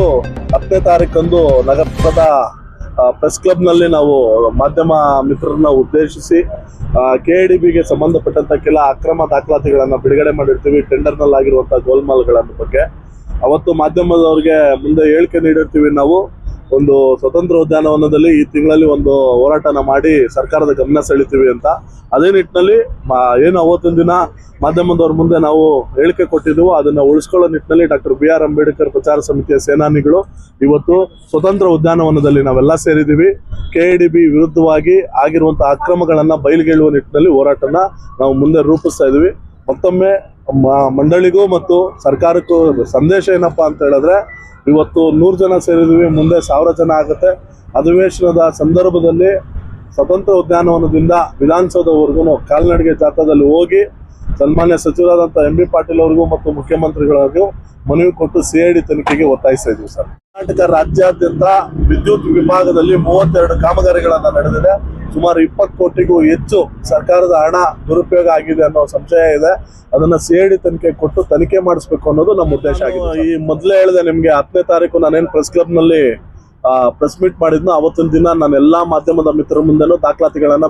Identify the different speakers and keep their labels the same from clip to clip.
Speaker 1: 10ನೇ ತಾರೀಕಂದು ನಗರದ ಪ್ರೆಸ್ ಕ್ಲಬ್ನಲ್ಲಿ ನಾವು ಮಾಧ್ಯಮ ಮಿತ್ರರನ್ನ ಉದ್ದೇಶಿಸಿ KADBಗೆ ಸಂಬಂಧಪಟ್ಟಂತ ಕೆಲ ಅಕ್ರಮ ದಾಖಲಾತಿಗಳನ್ನು ಬಿಡುಗಡೆ ಮಾಡಿರ್ತೀವಿ. ಟೆಂಡರ್ನಲ್ಲಿ ಆಗಿರುವಂತಹ ಗೋಲ್ಮಾಲ್ಗಳ ಬಗ್ಗೆ ಅವತ್ತು ಮಾಧ್ಯಮದವರಿಗೆ ಮುಂದೆ ಹೇಳಿಕೆ ನೀಡಿರ್ತೀವಿ. ನಾವು ಒಂದು ಸ್ವತಂತ್ರ ಉದ್ಯಾನವನದಲ್ಲಿ ಈ ತಿಂಗಳಲ್ಲಿ ಒಂದು ಹೋರಾಟನ ಮಾಡಿ ಸರ್ಕಾರದ ಗಮನ ಸೆಳಿತೀವಿ ಅಂತ. ಅದೇ ನಿಟ್ಟಿನಲ್ಲಿ ಏನು ಅವತ್ತಿನ ದಿನ ಮಾಧ್ಯಮದವ್ರ ಮುಂದೆ ನಾವು ಹೇಳಿಕೆ ಕೊಟ್ಟಿದ್ದೆವು, ಅದನ್ನ ಉಳಿಸ್ಕೊಳ್ಳೋ ನಿಟ್ಟಿನಲ್ಲಿ ಡಾಕ್ಟರ್ BR ಅಂಬೇಡ್ಕರ್ ಪ್ರಚಾರ ಸಮಿತಿಯ ಸೇನಾನಿಗಳು ಇವತ್ತು ಸ್ವತಂತ್ರ ಉದ್ಯಾನವನದಲ್ಲಿ ನಾವೆಲ್ಲ ಸೇರಿದ್ದೀವಿ. KADB ವಿರುದ್ಧವಾಗಿ ಆಗಿರುವಂತಹ ಅಕ್ರಮಗಳನ್ನ ಬಯಲಿಗೆಳುವ ನಿಟ್ಟಿನಲ್ಲಿ ಹೋರಾಟನ ನಾವು ಮುಂದೆ ರೂಪಿಸ್ತಾ ಇದೀವಿ. ಮತ್ತೊಮ್ಮೆ ಮಂಡಳಿಗೂ ಮತ್ತು ಸರ್ಕಾರಕ್ಕೂ ಸಂದೇಶ ಏನಪ್ಪಾ ಅಂತ ಹೇಳಿದ್ರೆ, ಇವತ್ತು 100 ಜನ ಸೇರಿದ್ದೀವಿ, ಮುಂದೆ 1000 ಜನ ಆಗುತ್ತೆ. ಅಧಿವೇಶನದ ಸಂದರ್ಭದಲ್ಲಿ ಸ್ವತಂತ್ರ ಉದ್ಯಾನವನದಿಂದ ವಿಧಾನಸೌಧವರೆಗೂ ಕಾಲ್ನಡಿಗೆ ಜಾಥಾದಲ್ಲಿ ಹೋಗಿ ಸನ್ಮಾನ್ಯ ಸಚಿವರಾದಂಥ MB ಪಾಟೀಲ್ ಅವರಿಗೂ ಮತ್ತು ಮುಖ್ಯಮಂತ್ರಿಗಳಿಗೂ ಮನವಿ ಕೊಟ್ಟು CID ತನಿಖೆಗೆ ಒತ್ತಾಯಿಸ್ತಾ ಇದ್ದೀವಿ ಸರ್. ಕರ್ನಾಟಕ ರಾಜ್ಯಾದ್ಯಂತ ವಿದ್ಯುತ್ ವಿಭಾಗದಲ್ಲಿ 32 ಕಾಮಗಾರಿಗಳನ್ನ ನಡೆದಿದೆ. ಸುಮಾರು 20 ಕೋಟಿಗೂ ಹೆಚ್ಚು ಸರ್ಕಾರದ ಹಣ ದುರುಪಯೋಗ ಆಗಿದೆ ಅನ್ನೋ ಸಂಶಯ ಇದೆ. ಅದನ್ನ CID ತನಿಖೆ ಕೊಟ್ಟು ತನಿಖೆ ಮಾಡಿಸ್ಬೇಕು ಅನ್ನೋದು ನಮ್ಮ ಉದ್ದೇಶ ಆಗಿದೆ. ಈ ಮೊದಲೇ ಹೇಳಿದೆ ನಿಮ್ಗೆ, 10ನೇ ತಾರೀಕು ನಾನೇನು ಪ್ರೆಸ್ ಕ್ಲಬ್ ನಲ್ಲಿ ಪ್ರೆಸ್ ಮೀಟ್ ಮಾಡಿದ್ನೋ ಅವತ್ತಿನ ದಿನ ನಾನು ಎಲ್ಲಾ ಮಾಧ್ಯಮದ ಮಿತ್ರರ ಮುಂದೆನೂ ದಾಖಲಾತಿಗಳನ್ನ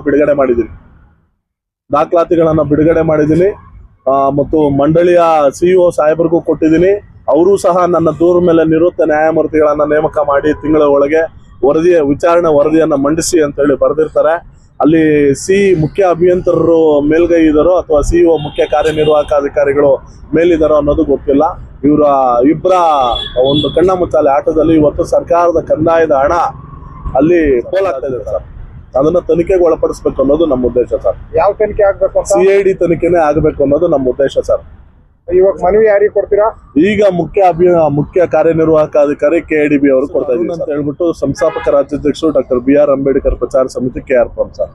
Speaker 1: ಬಿಡುಗಡೆ ಮಾಡಿದ್ದೀನಿ ಮತ್ತು ಮಂಡಳಿಯ CEO ಸಾಹೇಬರಿಗೂ ಕೊಟ್ಟಿದ್ದೀನಿ. ಅವರು ಸಹ ನನ್ನ ದೂರ ಮೇಲೆ ನಿವೃತ್ತ ನ್ಯಾಯಮೂರ್ತಿಗಳನ್ನ ನೇಮಕ ಮಾಡಿ ತಿಂಗಳ ಒಳಗೆ ವಿಚಾರಣೆ ವರದಿಯನ್ನ ಮಂಡಿಸಿ ಅಂತ ಹೇಳಿ ಬರೆದಿರ್ತಾರೆ. ಅಲ್ಲಿ ಮುಖ್ಯ ಅಭಿಯಂತರರು ಮೇಲ್ಗೈ ಇದ್ದಾರೋ ಅಥವಾ CEO ಮುಖ್ಯ ಕಾರ್ಯನಿರ್ವಾಹಕ ಅಧಿಕಾರಿಗಳು ಮೇಲಿದ್ದಾರೋ ಅನ್ನೋದು ಗೊತ್ತಿಲ್ಲ. ಇವರ ಇಬ್ಬರ ಒಂದು ಕಣ್ಣ ಮುಚ್ಚಾಲೆ ಆಟದಲ್ಲಿ ಇವತ್ತು ಸರ್ಕಾರದ ಕಂದಾಯದ ಹಣ ಅಲ್ಲಿ ಪೋಲಾಗ್ತಾ ಇದೆ ಸರ್. ಅದನ್ನ ತನಿಖೆಗೆ ಒಳಪಡಿಸಬೇಕು ಅನ್ನೋದು ನಮ್ಮ ಉದ್ದೇಶ ಸರ್.
Speaker 2: ಯಾವ ತನಿಖೆ ಆಗ್ಬೇಕು?
Speaker 1: CID ತನಿಖೆನೇ ಆಗಬೇಕು ಅನ್ನೋದು ನಮ್ಮ ಉದ್ದೇಶ ಸರ್.
Speaker 2: ಇವಾಗ ಮನವಿ ಯಾರಿಗೆ ಕೊಡ್ತೀರಾ?
Speaker 1: ಈಗ ಮುಖ್ಯ ಕಾರ್ಯನಿರ್ವಾಹಕ ಅಧಿಕಾರಿ KADB ಅವರು ಕೊಡ್ತಾ ಇದ್ದೀವಿ ಅಂತ ಹೇಳ್ಬಿಟ್ಟು ಸಂಸ್ಥಾಪಕ ರಾಜ್ಯಾಧ್ಯಕ್ಷರು ಡಾಕ್ಟರ್ BR ಅಂಬೇಡ್ಕರ್ ಪ್ರಚಾರ ಸಮಿತಿ KR ಸರ್.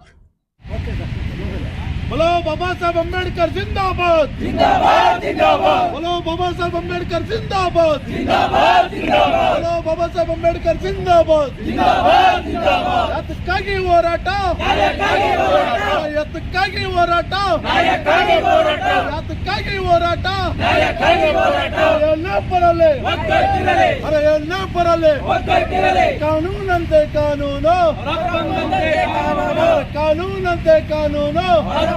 Speaker 3: बोलो बाबा साहब अंबेडकर जिंदाबाद जिंदाबाद जिंदाबाद। बोलो बाबा साहब अंबेडकर जिंदाबाद जिंदाबाद जिंदाबाद। बोलो बाबा साहब अंबेडकर जिंदाबाद जिंदाबाद जिंदाबाद। यातक्कागी ಹೋರಾಟ ನಾಯಕ್ಕಾಗಿ ಹೋರಾಟ, ಯಾತಕ್ಕಾಗಿ ಹೋರಾಟ ನಾಯಕ್ಕಾಗಿ ಹೋರಾಟ, ಯಾತಕ್ಕಾಗಿ ಹೋರಾಟ ನಾಯಕ್ಕಾಗಿ ಹೋರಾಟ. ಎಲ್ಲ ಬರಲಿ ಒಗ್ಗಟ್ಟಿರಲಿ, ಅರೆ ಎಲ್ಲ ಬರಲಿ ಒಗ್ಗಟ್ಟಿರಲಿ. ಕಾನೂನಂತೆ ಕಾನೂನು, ಕಾನೂನಂತೆ ಕಾನೂನು.